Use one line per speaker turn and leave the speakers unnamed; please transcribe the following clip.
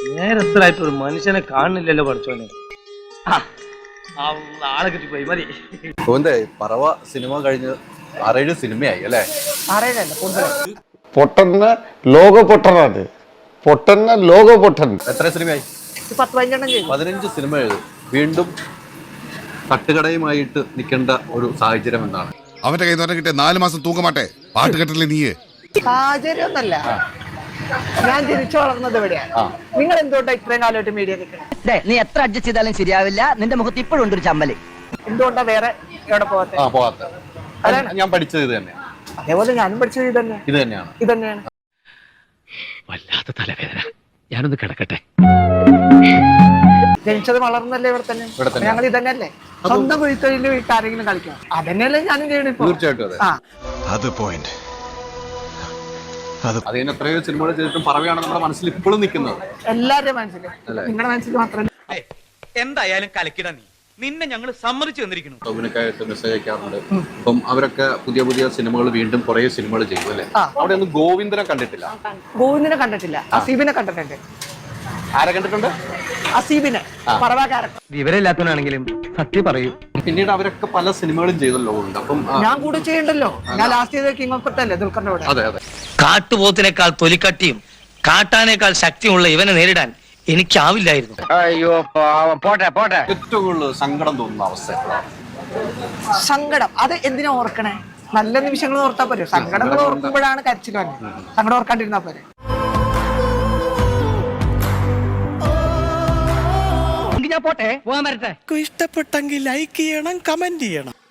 നേരത്തിലായിട്ട് ഒരു മനുഷ്യനെ കാണുന്നില്ലല്ലോ പഠിച്ചോനെ. ആളെ കിട്ടിപ്പോയി മതി.
പറവ സിനിമ കഴിഞ്ഞ് 6-7 സിനിമയായി അല്ലേ?
6-7 കൂടുതൽ.
പൊട്ടന്ന ലോക പൊട്ടനാണ്. പൊട്ടന്ന ലോക പൊട്ടൻ.
എത്ര സിനിമയായി? 15 സിനിമ എഴുതും. വീണ്ടും തട്ടുകടയുമായിട്ട് നിൽക്കേണ്ട ഒരു സാഹചര്യം എന്താണ്?
അവന്റെ കയ്യിൽ നിന്ന് കിട്ടിയ 4 മാസം തൂക്കമാട്ടെ പാട്ട് കെട്ടില്ലേ നീ?
സാഹചര്യം ഒന്നല്ല, ഞാൻ ജനിച്ചു വളർന്നത് എവിടെയാണ്. നിങ്ങൾ എന്തുകൊണ്ടാ ഇത്രയും കാലമായിട്ട് മീഡിയ നിൽക്കണേ?
നീ എത്ര അഡ്ജസ്റ്റ് ചെയ്താലും ശരിയാവില്ല. നിന്റെ മുഖത്ത് ഇപ്പോഴും ഉണ്ട് ഒരു ചമ്മല്.
എന്തുകൊണ്ടാ വേറെ എവിടെ
പോകാത്ത? ഞാൻ പഠിച്ചത് ഇത് തന്നെയാണ്.
അതേപോലെ ഞാനും പഠിച്ചത് ഇത് തന്നെയാണ്.
വല്ലാത്ത തലവേദന, ഞാനൊന്ന് കിടക്കട്ടെ.
ജനിച്ചത് വളർന്നല്ലേ ഇവിടെ തന്നെ. ഞങ്ങൾ ഇതന്നെയല്ലേ, സ്വന്തം വീട്ടിൽ വീട്ടാരെങ്കിലും കളിക്കാം. അതന്നെയല്ലേ ഞാനും ചെയ്യണം.
തീർച്ചയായിട്ടും
അത് പോയിന്റ്.
അതിന് എത്രയോ സിനിമകൾ ചെയ്തിട്ടും പറവയാണ് നമ്മുടെ മനസ്സിൽ ഇപ്പോഴും നിൽക്കുന്നത്.
എല്ലാവരുടെയും മനസ്സിൽ, നിങ്ങളുടെ മനസ്സിൽ മാത്രമല്ല.
എന്തായാലും കലക്കിട നിന്നെ ഞങ്ങൾ സമ്മതിച്ചു തന്നിരിക്കുന്നു.
ടോവിനൊക്കെയായിട്ട് മെസ്സേജ് അയക്കാറുണ്ട്. അപ്പം അവരൊക്കെ പുതിയ സിനിമകൾ വീണ്ടും കുറെ സിനിമകൾ ചെയ്യും അല്ലേ? അവിടെ ഒന്നും ഗോവിന്ദനെ കണ്ടിട്ടില്ല.
ഗോവിന്ദനെ കണ്ടിട്ടില്ല, അസീബിനെ കണ്ടിട്ടുണ്ട്.
ആരെ കണ്ടിട്ടുണ്ട്?
അസീബിനെ, പറവാകാരൻ.
വിവരമില്ലാത്തവനാണെങ്കിലും സത്യം പറയൂ.
പിന്നീട് അവരൊക്കെ പല സിനിമകളും ചെയ്തല്ലോ. അപ്പം
ഞാൻ കൂടെ ചെയ്യണ്ടല്ലോ. ഞാൻ ലാസ്റ്റ് ചെയ്ത കിങ് ഓഫ് കൊത്തല്ലേ ദുൽഖറിന്റെ കൂടെ.
അതെ.
കാട്ടുപോത്തിനേക്കാൾ തൊലിക്കട്ടിയും കാട്ടാനേക്കാൾ ശക്തിയുള്ള ഇവനെ നേരിടാൻ എനിക്കാവില്ലായിരുന്നു.
അയ്യോ പോട്ടെ.
ഏറ്റവും കൂടുതൽ സങ്കടം തോന്നുന്ന അവസ്ഥ?
സങ്കടം അത് എന്തിനാ ഓർക്കണേ? നല്ല നിമിഷങ്ങൾ ഓർത്താ പോരെ. സങ്കടങ്ങൾ ഓർക്കുമ്പോഴാണ് കരച്ചിൽ വന്നത്. സങ്കടം ഓർക്കാണ്ടിരുന്നാ പോരെ.
ഞാൻ പോട്ടെ, പോകാൻ വരട്ടെ.
ഇഷ്ടപ്പെട്ടെങ്കിൽ ലൈക്ക് ചെയ്യണം, കമന്റ് ചെയ്യണം.